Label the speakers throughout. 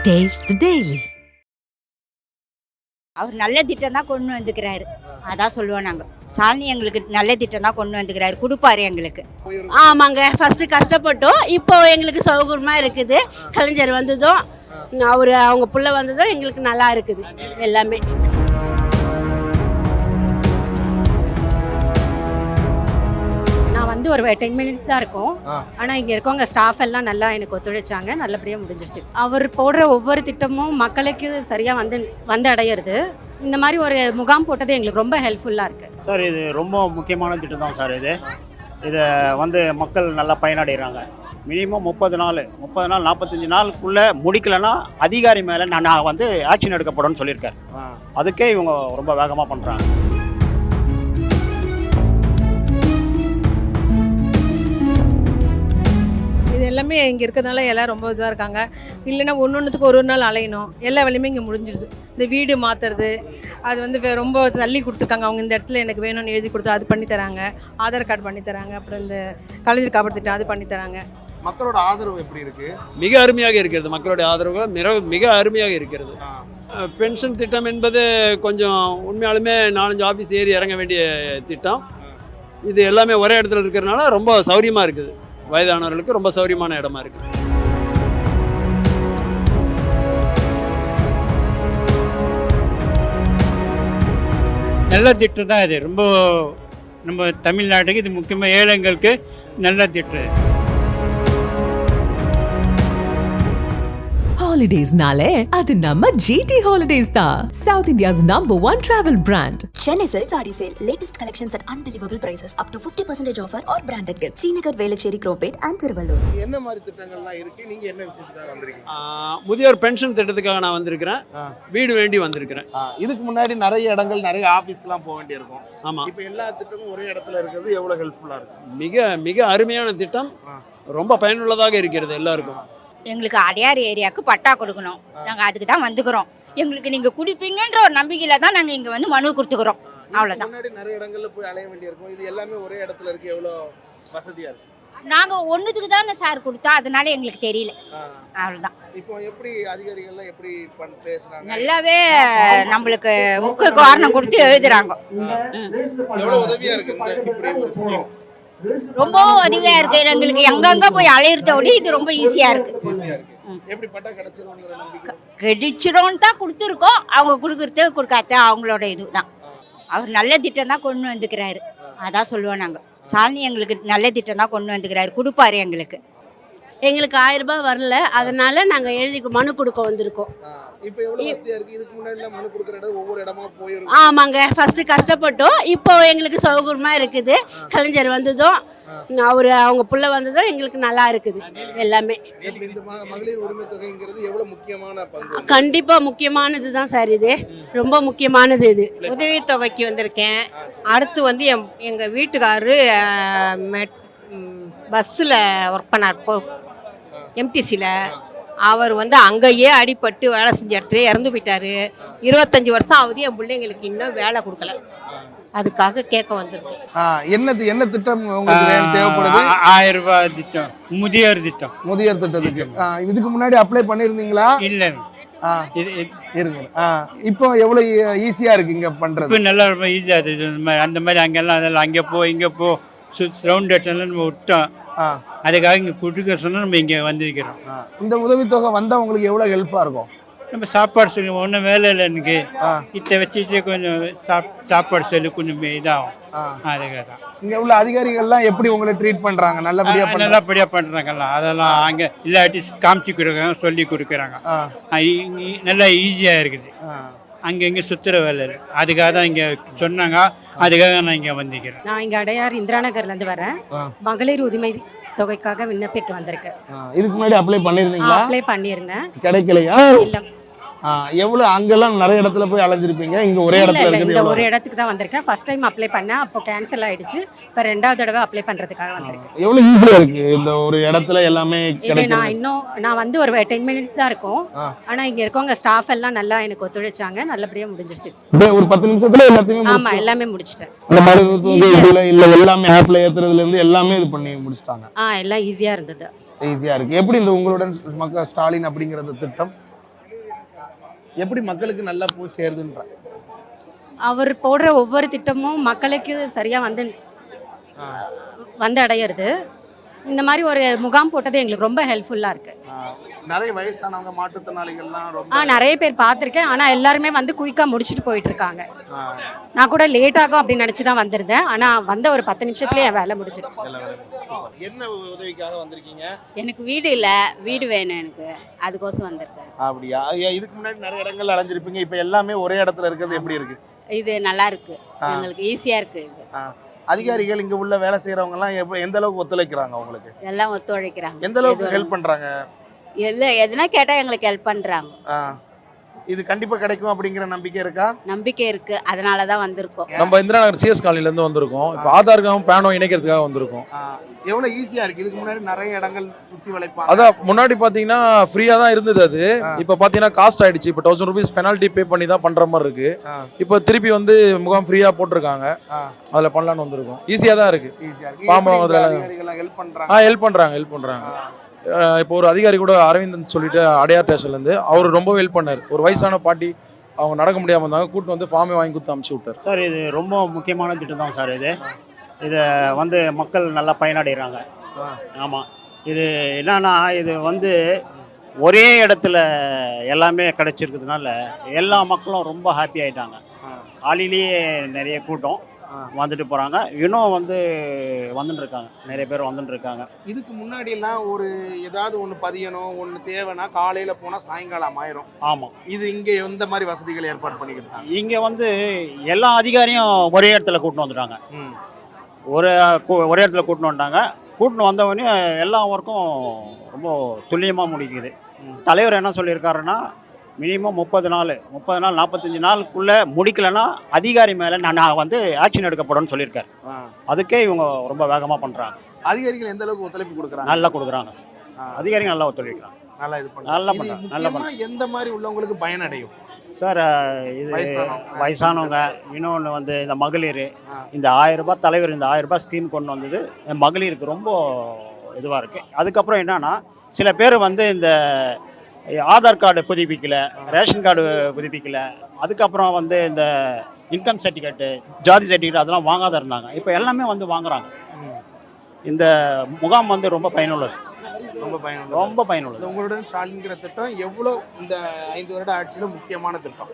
Speaker 1: Taste the Daily.
Speaker 2: அவர் நல்ல திட்டம் தான் கொண்டு வந்துக்கிறாரு. அதான் சொல்லுவோம் நாங்கள். சாலினி எங்களுக்கு நல்ல திட்டம் தான் கொண்டு வந்துக்கிறாரு, கொடுப்பாரு எங்களுக்கு.
Speaker 3: ஆமாங்க, ஃபர்ஸ்ட் கஷ்டப்பட்டோம், இப்போ எங்களுக்கு சௌகரியமாக இருக்குது. கலைஞர் வந்ததும் அவங்க புள்ள வந்ததும் எங்களுக்கு நல்லா இருக்குது எல்லாமே.
Speaker 4: நான் வந்து ஒரு 10 மினிட்ஸ் தான் இருக்கும். ஆனால் இங்கே இருக்கவங்க ஸ்டாஃப் எல்லாம் நல்லா எனக்கு ஒத்துழைச்சாங்க, நல்லபடியாக முடிஞ்சிருச்சு. அவர் போடுற ஒவ்வொரு திட்டமும் மக்களுக்கு சரியாக வந்து அடையிறது. இந்த மாதிரி ஒரு முகாம் போட்டது எங்களுக்கு ரொம்ப ஹெல்ப்ஃபுல்லாக இருக்குது
Speaker 5: சார். இது ரொம்ப முக்கியமான திட்டம் தான் சார். இதை வந்து மக்கள் நல்லா பயனடைகிறாங்க. மினிமம் 30 நாள் 45 நாளுக்குள்ளே முடிக்கலைன்னா அதிகாரி மேலே நான் வந்து ஆக்ஷன் எடுக்கப்படும் சொல்லியிருக்காரு. அதுக்கே இவங்க ரொம்ப வேகமாக பண்ணுறாங்க.
Speaker 6: இது எல்லாமே இங்கே இருக்கிறதுனால எல்லாம் ரொம்ப இதாக இருக்காங்க. இல்லைன்னா ஒன்றுத்துக்கு ஒரு நாள் அலையணும், எல்லா வேலையுமே இங்கே முடிஞ்சிடுது. இந்த வீடு மாற்றுறது அது வந்து ரொம்ப தள்ளி கொடுத்துருக்காங்க. அவங்க இந்த இடத்துல எனக்கு வேணும்னு எழுதி கொடுத்து அது பண்ணித்தராங்க. ஆதார் கார்டு பண்ணித்தராங்க. அப்புறம் இந்த கலைஞர் காப்பாற்றிட்டு அது பண்ணித்தராங்க.
Speaker 7: மக்களோட ஆதரவு எப்படி இருக்கு?
Speaker 8: மிக அருமையாக இருக்கிறது. மக்களுடைய ஆதரவு மிக அருமையாக இருக்கிறது. பென்ஷன் திட்டம் என்பது கொஞ்சம் உண்மையாலுமே 4-5 ஆஃபீஸ் ஏறி இறங்க வேண்டிய திட்டம். இது எல்லாமே ஒரே இடத்துல இருக்கிறதுனால ரொம்ப சௌரியமாக இருக்குது. வயதானவர்களுக்கு ரொம்ப சௌரியமான இடமா இருக்குது.
Speaker 5: நல்ல திட்டம் தான் இது. ரொம்ப நம்ம தமிழ்நாட்டுக்கு இது முக்கியமாக ஏழைங்களுக்கு நல்ல திட்டம்.
Speaker 1: Holidays nale adu namma GT Holidays da. South India's #1 travel brand.
Speaker 9: Chennai Silk Saree Sale. Latest collections at unbelievable prices. Up to 50% offer or branded gifts. Srinagar, Velachery, Cropate and Thiruvallur.
Speaker 7: என்ன மாதிரி திட்டங்கள்லாம் இருக்கு? நீங்க என்ன விஷயத்துக்காக வந்திருக்கீங்க?
Speaker 8: முதியோர் pension திட்டத்துக்காக நான் வந்திருக்கிறேன். வீடு வேண்டி வந்திருக்கிறேன்.
Speaker 7: இதுக்கு முன்னாடி நிறைய இடங்கள் நிறைய ஆஃபீஸ்க்கெல்லாம் போக வேண்டியிருக்கும்.
Speaker 8: ஆமாம்.
Speaker 7: இப்போ எல்லா திட்டமும் ஒரே இடத்துல இருக்கிறது எவ்வளோ ஹெல்ப்ஃபுல்லாக இருக்கும்?
Speaker 8: மிக அருமையான திட்டம். ரொம்ப பயனுள்ளதாக இருக்கிறது எல்லாருக்கும்.
Speaker 2: எங்களுக்கு அடையார் ஏரியாவுக்கு பட்டா கொடுக்கணும். நாங்கள் அதுக்கு தான் வந்துக்கிறோம். எங்களுக்கு நீங்கள் கொடுப்பீங்கன்ற ஒரு நம்பிக்கையில் தான் நாங்கள் இங்கே வந்து மனு கொடுத்துக்கிறோம். அவ்வளோதான்.
Speaker 7: முன்னாடி நிறைய இடங்கள்ல போய் அலைய வேண்டியிருக்கும். இது எல்லாமே ஒரே இடத்துல இருக்கு. எவ்வளோ வசதியாக இருக்கு?
Speaker 2: நாங்கள் ஒன்றுத்துக்கு தானே சார் கொடுத்தோம், அதனால எங்களுக்கு தெரியல. அவ்வளோதான்.
Speaker 7: இப்போ எப்படி அதிகாரிகள்லாம் எப்படி பேசுறாங்க?
Speaker 2: நல்லாவே நம்மளுக்கு முக்கிய காரணம் கொடுத்து எழுதுறாங்க.
Speaker 7: எவ்வளோ உதவியாக இருக்கு இப்படி ஒரு ஸ்கீம்?
Speaker 2: ரொம்ப உதவியாக இருக்குது எங்களுக்கு. எங்கெங்கே போய் அலையிறதோட இது ரொம்ப ஈஸியாக இருக்குது.
Speaker 7: எப்படி பட்டா கிடைச்சிரும்ங்கிற நம்பிக்கை?
Speaker 2: கிடைச்சிரோன்னு தான் கொடுத்துருக்கோம். அவங்க கொடுக்குறது கொடுக்காத அவங்களோட இது தான். அவர் நல்ல திட்டம் தான் கொண்டு வந்துக்கிறாரு. அதான் சொல்லுவோம் நாங்கள். சாலினி எங்களுக்கு நல்ல திட்டம் தான் கொண்டு வந்துக்கிறாரு, கொடுப்பாரு எங்களுக்கு.
Speaker 3: எங்களுக்கு 1000 ரூபாய் வரல, அதனால நாங்கள் எழுதி மனு கொடுக்க வந்திருக்கோம்.
Speaker 7: இப்போ எவ்வளோ வசதியாக இருக்குது? இதுக்கு முன்னாடி மனு கொடுக்குற இடம் ஒவ்வொரு இடமா போயிடும்.
Speaker 3: ஆமாங்க, ஃபர்ஸ்ட் கஷ்டப்பட்டோம், இப்போ எங்களுக்கு சௌகரியமாக இருக்குது. கலைஞர் வந்ததும் அவங்க புள்ள வந்ததும் எங்களுக்கு நல்லா இருக்குது எல்லாமே.
Speaker 7: இந்த மகளிர் உரிமை தொகைங்கிறது எவ்வளோ முக்கியமான பங்கு?
Speaker 3: கண்டிப்பாக முக்கியமானது தான் சார். இது ரொம்ப முக்கியமானது. இது
Speaker 6: உதவித்தொகைக்கு வந்திருக்கேன். அடுத்து வந்து எங்கள் வீட்டுக்காரரு பஸ்ஸில் ஒர்க் பண்ணார், எம்டிசியில். அவர் வந்து அங்கேயே அடிபட்டு வேலை செஞ்ச இடத்துல இறந்து போயிட்டாரு. 25 வருஷம் ஆகுது. என் பிள்ளைங்களுக்கு இன்னும் வேலை கொடுக்கல. அதுக்காக கேட்க வந்திருக்கு.
Speaker 7: என்ன திட்டம் உங்களுக்கு தேவைப்படுது?
Speaker 5: 1000 ரூபாய் திட்டம், முதியோர் திட்டம்.
Speaker 7: முதியோர் திட்டத்துக்கு இதுக்கு முன்னாடி அப்ளை பண்ணியிருந்தீங்களா?
Speaker 5: இல்லை,
Speaker 7: இருங்க. இப்போ எவ்வளோ ஈஸியாக இருக்கு இங்கே பண்ணுறது?
Speaker 5: இப்போ நல்லா ரொம்ப ஈஸியாக இருக்குது. அந்த மாதிரி அங்கெல்லாம் அதெல்லாம் அங்கே இங்கே ரவுண்ட் எல்லாம் நம்ம விட்டோம். அதுக்காக இங்கே கொடுக்க சொன்னால் நம்ம இங்கே வந்திருக்கிறோம்.
Speaker 7: இந்த உதவித்தொகை வந்தால் உங்களுக்கு எவ்வளோ ஹெல்ப்பாக இருக்கும்?
Speaker 5: நம்ம சாப்பாடு சொல்லி ஒன்றும் வேலை இல்லை எனக்கு. இதை வச்சுட்டு கொஞ்சம் சாப்பாடு சொல்லி கொஞ்சம் இதாகும். அதுக்காக தான்
Speaker 7: இங்கே உள்ள அதிகாரிகள்லாம் எப்படி உங்களை ட்ரீட் பண்ணுறாங்க?
Speaker 5: நல்லபடியாக பண்ணுறாங்கல்ல. அதெல்லாம் அங்கே இல்லாட்டி காமிச்சு கொடுக்குறாங்க, சொல்லி கொடுக்குறாங்க. நல்லா ஈஸியாக இருக்குது. அங்கே இங்கே சுற்றுற வேலை இல்லை. அதுக்காக தான் இங்கே சொன்னாங்க. அதுக்காக நான் இங்கே வந்திருக்கிறேன்.
Speaker 4: நான் இங்கே அடையார் இந்திரா நகர்லேருந்து வரேன். மகளிர் உரிமை தொகைக்காக விண்ணப்பிக்க வந்திருக்கேன்.
Speaker 7: இதுக்கு முன்னாடி அப்ளை பண்ணியிருந்தீங்களா?
Speaker 4: அப்ளை பண்ணியிருந்தேன்,
Speaker 7: கிடைக்கலையா?
Speaker 4: இல்லை.
Speaker 7: எவ்வளோ அங்கெல்லாம் நிறைய இடத்துல போய் அலைஞ்சிருப்பீங்க. இங்கே ஒரே இடத்துல இருக்குது.
Speaker 4: இந்த ஒரு இடத்துக்கு தான் வந்திருக்கேன். ஃபர்ஸ்ட் டைம் அப்ளை பண்ணேன், அப்போ கேன்சல் ஆயிடுச்சு. இப்போ 2வது தடவை அப்ளை பண்ணுறதுக்காக வந்திருக்கேன்.
Speaker 7: எவ்வளோ ஈஸியாக இருக்குது இந்த ஒரு இடத்துல எல்லாமே கிடைக்கும்.
Speaker 4: நான் வந்து ஒரு 10 மினிட்ஸ் தான் இருக்கும். ஆனால் இங்கே இருக்கவங்க ஸ்டாஃப் எல்லாம் நல்லா எனக்கு ஒத்துழைச்சாங்க, நல்லபடியாக முடிஞ்சிருச்சு.
Speaker 7: ஒரு 10 நிமிஷத்துல எல்லாத்தையுமே?
Speaker 4: ஆமாம், எல்லாமே முடிச்சிட்டேன்.
Speaker 7: அந்த மாதிரி இல்லை எல்லாமே ஆப்ல ஏற்றுறதுலேருந்து எல்லாமே இது பண்ணி முடிச்சிட்டாங்க.
Speaker 4: எல்லாம் ஈஸியாக இருந்தது.
Speaker 7: ஈஸியாக இருக்குது. எப்படி இந்த உங்களுடன் ஸ்டாலின் அப்படிங்கிற திட்டம் எப்படி மக்களுக்கு நல்லா போய் சேருதுன்ற
Speaker 4: அவர் போடுற ஒவ்வொரு திட்டமும் மக்களுக்கு சரியாக வந்து அடையிறது. இந்த மாதிரி ஒரு முகாம் போட்டது எங்களுக்கு ரொம்ப ஹெல்ப்ஃபுல்லாக இருக்குது.
Speaker 7: நிறைய வயசானவங்க மாற்றுத்திறனாளிகள்லாம் ரொம்ப
Speaker 4: நிறைய பேர் பார்த்துருக்கேன். ஆனால் எல்லாருமே வந்து குயிக்காக முடிச்சுட்டு போயிட்டு இருக்காங்க. நான் கூட லேட் ஆகும் அப்படின்னு நினச்சி தான் வந்திருந்தேன். ஆனால் வந்த ஒரு 10 நிமிஷத்துலேயே என் வேலை முடிஞ்சிருச்சு.
Speaker 7: என்ன உதவிக்காக வந்திருக்கீங்க?
Speaker 3: எனக்கு வீடு இல்லை, வீடு வேணும் எனக்கு, அதுக்கோசம் வந்திருக்கேன்.
Speaker 7: அப்படியா? இதுக்கு முன்னாடி நிறைய இடங்கள் அலைஞ்சிருப்பீங்க, இப்போ எல்லாமே ஒரே இடத்துல இருக்கிறது எப்படி இருக்கு?
Speaker 3: இது நல்லா இருக்கு, எங்களுக்கு ஈஸியாக இருக்கு. இது
Speaker 7: அதிகாரிகள் இங்க உள்ள வேலை செய்யறவங்க எல்லாம் எந்த அளவுக்கு ஒத்துழைக்கிறாங்க உங்களுக்கு?
Speaker 3: எல்லாம் ஒத்துழைக்கிறாங்க.
Speaker 7: எந்த அளவுக்கு ஹெல்ப் பண்றாங்க?
Speaker 3: எதுனா கேட்டால் எங்களுக்கு ஹெல்ப் பண்ணுறாங்க.
Speaker 7: இது கண்டிப்பா கிடைக்கும் அப்படிங்கிற நம்பிக்கை இருக்கா?
Speaker 3: நம்பிக்கை இருக்கு, அதனால தான் வந்திருக்கோம்.
Speaker 10: நம்ம இந்திரா நகர் சிஎஸ் காலனில இருந்து வந்திருக்கோம். இப்போ ஆதாருக்கும் பேனும் இணைக்கிறதுக்காக வந்திருக்கோம்.
Speaker 7: எவ்வளவு ஈஸியா இருக்கு? இதுக்கு முன்னாடி நிறைய இடங்கள் சுத்தி வளைப்பாங்க.
Speaker 10: அதான் முன்னாடி பாத்தீங்கன்னா ஃப்ரீயா தான் இருந்தது அது. இப்போ பாத்தீங்கன்னா காஸ்ட் ஆயிடுச்சு. இப்போ 1000 ரூபீஸ் பெனால்ட்டி பே பண்ணி தான் பண்ற மாதிரி இருக்கு. இப்போ திருப்பி வந்து முகாம் ஃப்ரீயா போட்டிருக்காங்க. அதுல பண்ணலாம்னு வந்திருக்கோம். ஈஸியா தான் இருக்கு. ஃபார்ம் வாங்குறதுல ஹெல்ப் பண்றாங்க. இப்போ ஒரு அதிகாரி கூட அரவிந்தன் சொல்லிட்டு அடையார் ஸ்டேஷன்லேருந்து அவர் ரொம்ப ஹெல்ப் பண்ணார். ஒரு வயசான பாட்டி அவங்க நடக்க முடியாமல் இருந்தாங்க, கூட்டு வந்து ஃபார்மே வாங்கி கொடுத்து அமுச்சு விட்டார்.
Speaker 5: சார் இது ரொம்ப முக்கியமான திட்டம் தான் சார். இதை வந்து மக்கள் நல்லா பயனடைகிறாங்க. ஆமாம், இது என்னன்னா இது வந்து ஒரே இடத்துல எல்லாமே கிடைச்சிருக்கிறதுனால எல்லா மக்களும் ரொம்ப ஹாப்பி ஆகிட்டாங்க. காலையிலேயே நிறைய கூட்டம் வந்துட்டு போகிறாங்க. இன்னும் வந்துட்டு இருக்காங்க, நிறைய பேர் வந்துட்டு இருக்காங்க.
Speaker 7: இதுக்கு முன்னாடி எல்லாம் ஒரு ஏதாவது ஒன்று பதியணும், ஒன்று தேவைன்னா காலையில் போனால் சாயங்காலம் ஆயிரும்.
Speaker 5: ஆமாம்,
Speaker 7: இது இங்கே எந்த மாதிரி வசதிகள் ஏற்பாடு பண்ணிக்கிட்டாங்க?
Speaker 5: இங்கே எல்லா அதிகாரியும் ஒரே இடத்துல கூட்டின்னு வந்துட்டாங்க. ஒரே இடத்துல கூட்டின்னு வந்துட்டாங்க. கூட்டின்னு வந்தவொடனே எல்லா ஒர்க்கும் ரொம்ப துல்லியமாக முடிக்குது. தலைவர் என்ன சொல்லியிருக்காருன்னா, மினிமம் 30 நாள் 45 நாளுக்குள்ளே முடிக்கலைன்னா அதிகாரி மேலே நான் ஆக்ஷன் எடுக்கப்படும் சொல்லியிருக்காரு. அதுக்கே இவங்க ரொம்ப வேகமாக பண்ணுறாங்க.
Speaker 7: அதிகாரிகள் எந்த அளவுக்கு ஒத்துழைப்பு கொடுக்குறாங்க?
Speaker 5: நல்லா கொடுக்குறாங்க சார். அதிகாரிகள் நல்லா ஒத்துழைக்கிறாங்க.
Speaker 7: நல்லா பண்ணுறாங்க. நல்லா பண்ணுறாங்க. எந்த மாதிரி உள்ளவங்களுக்கு பயனடையும்
Speaker 5: சார்? இது வயசானவங்க, இன்னொன்று இந்த மகளிர், இந்த 1000 ரூபாய் தலைவர் இந்த 1000 ரூபாய் ஸ்கீம் கொண்டு வந்தது மகளிருக்கு ரொம்ப இதுவாக இருக்குது. அதுக்கப்புறம் என்னன்னா, சில பேர் இந்த ஆதார் கார்டு புதுப்பிக்கல, ரேஷன் கார்டு புதுப்பிக்கல, அதுக்கப்புறம் இந்த இன்கம் சர்டிஃபிகேட்டு, ஜாதி சர்டிஃபிகேட் அதெல்லாம் வாங்காத இருந்தாங்க. இப்போ எல்லாமே வாங்குறாங்க. இந்த முகாம் ரொம்ப பயனுள்ளது. ரொம்ப பயனுள்ளது.
Speaker 7: உங்களுடன் ஸ்டாலின்கிற திட்டம் எவ்வளோ இந்த 5 வருட ஆட்சியில் முக்கியமான திட்டம்?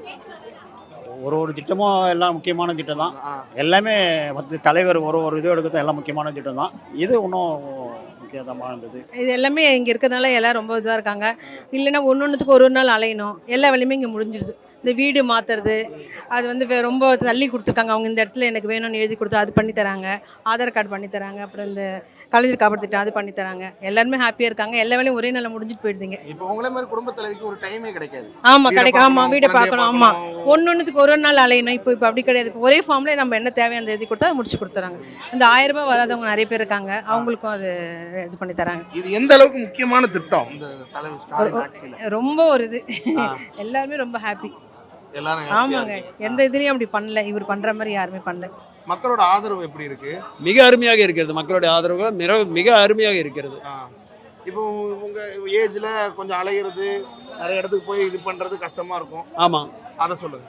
Speaker 5: ஒரு திட்டமும் எல்லாம் முக்கியமான திட்டம் தான். எல்லாமே தலைவர் ஒரு இது எடுக்கிறது எல்லாம் முக்கியமான திட்டம் தான். இது இன்னும் முக்கியமாக இருந்தது.
Speaker 6: இது எல்லாமே இங்கே இருக்கிறதுனால எல்லாம் ரொம்ப இதுவாக இருக்காங்க. இல்லைன்னா ஒன்றுத்துக்கு ஒரு நாள் அலையணும், எல்லா வேலையுமே இங்கே முடிஞ்சிடுது. இந்த வீடு மாற்றுறது அது ரொம்ப தள்ளி கொடுத்துருக்காங்க. அவங்க இந்த இடத்துல எனக்கு வேணும்னு எழுதி கொடுத்து அது பண்ணி தராங்க. ஆதார் கார்டு பண்ணி தராங்க. அப்புறம் இந்த கலைஞர் காப்பாற்றிட்டு அது பண்ணி தராங்க. எல்லாருமே ஹாப்பியாக இருக்காங்க. எல்லா வேலையும் ஒரே நாளில் முடிஞ்சிட்டு போயிடுதுங்க.
Speaker 7: இப்போ உங்களே மாதிரி குடும்ப தலைவிக்கு ஒரு டைமே கிடைக்காது.
Speaker 6: ஆமாம், கிடைக்கும். ஆமாம், வீடை பார்க்கணும். ஆமாம், ஒன்றுத்துக்கு ஒரு நாள் அலையணும். இப்போ அப்படி கிடையாது. இப்போ ஒரே ஃபார்ம்லேயே நம்ம என்ன தேவையான எழுதி கொடுத்தா அதை முடிச்சு கொடுத்துறாங்க. இந்த 1000 ரூபாய் வராதவங்க நிறைய பேர் இருக்காங்க. அவங்களுக்கும் அது இது பண்ணி தராங்க.
Speaker 7: இது எந்த அளவுக்கு முக்கியமான திட்டம் இந்த தலைவர் ஸ்டாலின் ஆட்சியில்?
Speaker 6: ரொம்ப ஒரு இது எல்லாருமே ரொம்ப ஹாப்பி.
Speaker 7: எல்லாரும்
Speaker 6: ஆமாங்க, எந்த இதுலயும் அப்படி பண்ணல. இவர் பண்ற மாதிரி யாருமே பண்ணல.
Speaker 7: மக்களோட ஆதரவு எப்படி இருக்கு?
Speaker 8: மிக அருமையாக இருக்கிறது. மக்களுடைய ஆதரவு மிக அருமையாக இருக்கிறது.
Speaker 7: இப்போ உங்க ஏஜ்ல கொஞ்சம் அலையிறது, நிறைய இடத்துக்கு போய் இது பண்றது கஷ்டமா இருக்கும்.
Speaker 8: ஆமாம்,
Speaker 7: அதை சொல்லுங்க.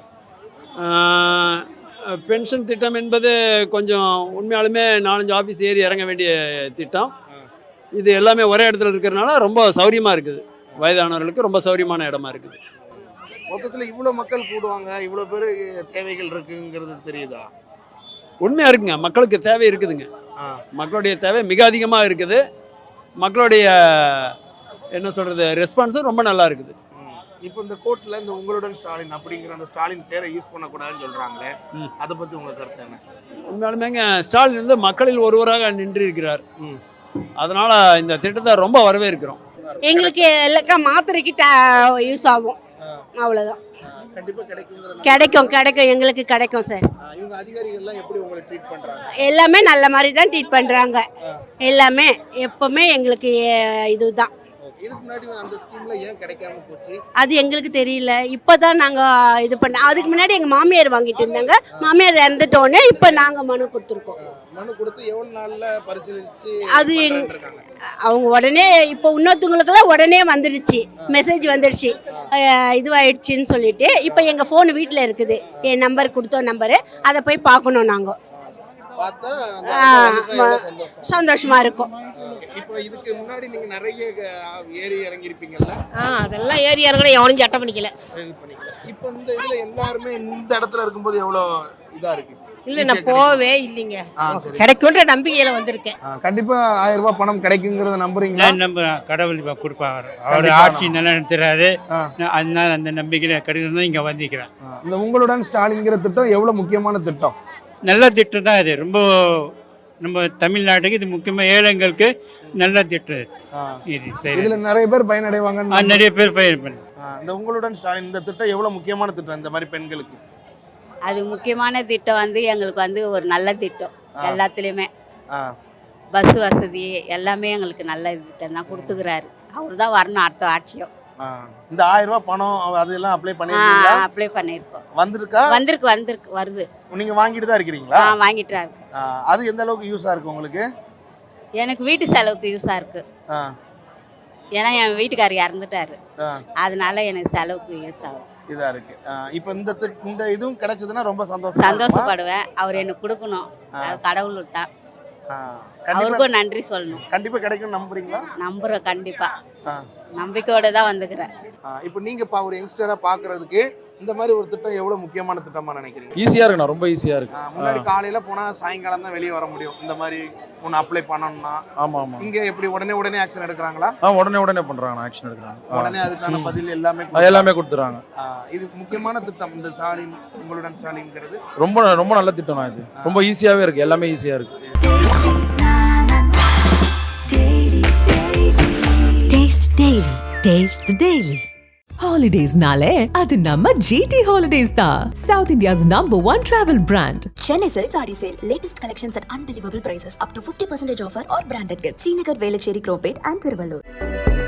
Speaker 8: பென்ஷன் திட்டம் என்பது கொஞ்சம் உண்மையாலுமே 4-5 ஆஃபீஸ் ஏறி இறங்க வேண்டிய திட்டம். இது எல்லாமே ஒரே இடத்துல இருக்கிறதுனால ரொம்ப சௌரியமாக இருக்குது. வயதானவர்களுக்கு ரொம்ப சௌரியமான இடமா இருக்குது.
Speaker 7: மொத்தத்தில் இவ்வளோ மக்கள் கூடுவாங்க, இவ்வளோ பேர் தேவைகள் இருக்குங்கிறது தெரியுதா?
Speaker 8: உண்மையாக இருக்குங்க. மக்களுக்கு தேவை இருக்குதுங்க. மக்களுடைய தேவை மிக அதிகமாக இருக்குது. மக்களுடைய என்ன சொல்கிறது, ரெஸ்பான்ஸும் ரொம்ப நல்லா இருக்குது.
Speaker 7: இப்போ இந்த கோர்ட்டில் இந்த உங்களுடன் ஸ்டாலின் அப்படிங்கிற அந்த ஸ்டாலின் பேரை யூஸ் பண்ணக்கூடாதுன்னு சொல்கிறாங்களே, அதை பற்றி உங்கள் கருத்து என்ன?
Speaker 8: உண்மையாலுமேங்க ஸ்டாலின் மக்களில் ஒருவராக நின்று இருக்கிறார். அதனால் இந்த திட்டத்தை ரொம்ப வரவேற்கிறோம்.
Speaker 3: எங்களுக்கு எல்லாம் மாத்திரைக்கு யூஸ் ஆகும், அவ்வளோதான். கிடைக்கும் எங்களுக்கு கிடைக்கும் சார்.
Speaker 7: இவங்க அதிகாரிகள்லாம் எப்படி உங்களை ட்ரீட் பண்ணுறாங்க?
Speaker 3: எல்லாமே நல்ல மாதிரி தான் ட்ரீட் பண்ணுறாங்க. எல்லாமே எப்பவுமே எங்களுக்கு இதுதான்.
Speaker 7: இதுக்கு முன்னாடி அந்த ஸ்கீம்ல ஏன் கிடைக்காம போச்சு?
Speaker 3: அது எங்களுக்கு தெரியல. இப்போ தான் நாங்கள் இது பண்ண. அதுக்கு முன்னாடி எங்கள் மாமியார் வாங்கிட்டு இருந்தாங்க. மாமியார் இறந்துட்டோன்னே இப்போ நாங்கள் மனு கொடுத்துருக்கோம்.
Speaker 7: மனு கொடுத்து எவ்வளவு நாள்ல பரிசீலிச்சு
Speaker 3: அது
Speaker 7: இருக்காங்க?
Speaker 3: அவங்க உடனே இப்போ இன்னொருத்தவங்களுக்கெல்லாம் உடனே வந்துடுச்சு, மெசேஜ் வந்துடுச்சு இதுவாயிடுச்சின்னு சொல்லிட்டு. இப்போ எங்கள் ஃபோன் வீட்டில் இருக்குது, என் நம்பர் கொடுத்தோம் நம்பரு, அதை போய் பார்க்கணும் நாங்கள்.
Speaker 7: பார்த்தா
Speaker 3: சந்தோஷமா இருக்கும்.
Speaker 7: இப்போ இதுக்கு முன்னாடி நீங்க நிறைய ஏறி இறங்கி இருப்பீங்கல்ல?
Speaker 3: அதெல்லாம் ஏறி இறங்கணும், எவனும் சட்டம் பண்ணிக்கல.
Speaker 7: இப்போ இந்த இதுல எல்லாருமே இந்த இடத்துல இருக்கும்போது எவ்வளவு இதா இருக்கு?
Speaker 3: இல்லை, நான் போவே இல்லைங்க, கிடைக்குன்ற நம்பிக்கையில வந்திருக்கேன்.
Speaker 7: கண்டிப்பா 1000 ரூபாய் பணம் கிடைக்குங்கிறத நம்புறீங்களா?
Speaker 5: நம்புறேன், கடவுள் கொடுப்பாங்க. அவர் ஆட்சி நல்லா நடத்துறாரு, அதனால அந்த நம்பிக்கையில கிடைக்கணும் இங்க வந்திருக்கிறேன்.
Speaker 7: இந்த உங்களுடன் ஸ்டாலின்ங்கிற திட்டம் எவ்வளவு முக்கியமான திட்டம்?
Speaker 5: நல்ல திட்டம் தான் இது. ரொம்ப நம்ம தமிழ்நாட்டுக்கு இது முக்கியமாக ஏழைங்களுக்கு நல்ல திட்டம் இது. சரி,
Speaker 7: இதுல நிறைய பேர் பயனடைவாங்க.
Speaker 5: நிறைய பேர் பயன்.
Speaker 7: இந்த உங்களுடன் ஸ்டாலின் இந்த திட்டம் எவ்வளவு முக்கியமான திட்டம் இந்த மாதிரி பெண்களுக்கு?
Speaker 2: அது முக்கியமான திட்டம் வந்து எங்களுக்கு வந்து ஒரு நல்ல திட்டம். எல்லாத்துலேயுமே பஸ் வசதி எல்லாமே எங்களுக்கு நல்ல திட்டம் தான் கொடுத்துக்கிறாரு. அவர் தான் வரணும் அடுத்த ஆட்சியும்.
Speaker 7: இந்த 1000 ரூபாய் பணம் அதெல்லாம் அப்ளை பண்ணிருக்கீங்களா?
Speaker 2: அப்ளை பண்ணியிருக்கோம்.
Speaker 7: வந்திருக்கா?
Speaker 2: வந்திருக்கு வருது.
Speaker 7: நீங்க வாங்கிட்டு தான் இருக்கிறீங்களா?
Speaker 2: வாங்கிட்டு தான் இருக்கு.
Speaker 7: அது எந்த அளவுக்கு யூஸா இருக்கு உங்களுக்கு?
Speaker 2: எனக்கு வீட்டு செலவுக்கு யூஸா இருக்கு. ஏன்னா என் வீட்டுக்காரர் இறந்துட்டாரு, அதனால எனக்கு செலவுக்கு யூஸ் ஆகும்.
Speaker 7: இதா இருக்கு. இப்போ இந்த இதுவும் கிடைச்சதுன்னா ரொம்ப
Speaker 2: சந்தோஷப்படுவேன். அவர் எனக்கு கொடுக்கணும், அது கடவுள் தான். அவருக்கும் நன்றி சொல்லணும்.
Speaker 7: கண்டிப்பா கிடைக்கும் நம்புறீங்களா?
Speaker 2: நம்புறேன், கண்டிப்பா நம்பிக்கையோட தான் வந்துக்கிறேன்.
Speaker 7: இப்போ நீங்க ஒரு யங்ஸ்டரா பாக்குறதுக்கு இந்த மாதிரி ஒரு திட்டம் எவ்வளவு முக்கியமான திட்டமா நினைக்கிறீங்க?
Speaker 10: ஈஸியா இருக்குண்ணா, ரொம்ப ஈஸியா இருக்கு.
Speaker 7: முன்னாடி காலையில போனா சாயங்காலம் தான் வெளியே வர முடியும். இந்த மாதிரி ஒன்று அப்ளை பண்ணணும்னா
Speaker 10: ஆமா ஆமா,
Speaker 7: இங்க எப்படி உடனே ஆக்ஷன் எடுக்கிறாங்களா?
Speaker 10: உடனே பண்றாங்க, ஆக்ஷன் எடுக்கிறாங்க.
Speaker 7: உடனே அதுக்கான பதில்
Speaker 10: எல்லாமே கொடுத்துறாங்க.
Speaker 7: இது முக்கியமான திட்டம். இந்த ஸ்டாலின் உங்களுடன் ஸ்டாலின்ங்கிறது
Speaker 10: ரொம்ப நல்ல திட்டம் தான் இது. ரொம்ப ஈஸியாவே இருக்கு, எல்லாமே ஈஸியா இருக்கு.
Speaker 1: Taste the Daily. Holidays-nale, அது நம்ம GT Holidays தான். South India's #1 travel brand.
Speaker 9: Chennai Silk Saree Sale. Latest collections at unbelievable prices. Up to 50% offer or branded gifts. Srinagar, Velachery, Cropate and Thiruvallur.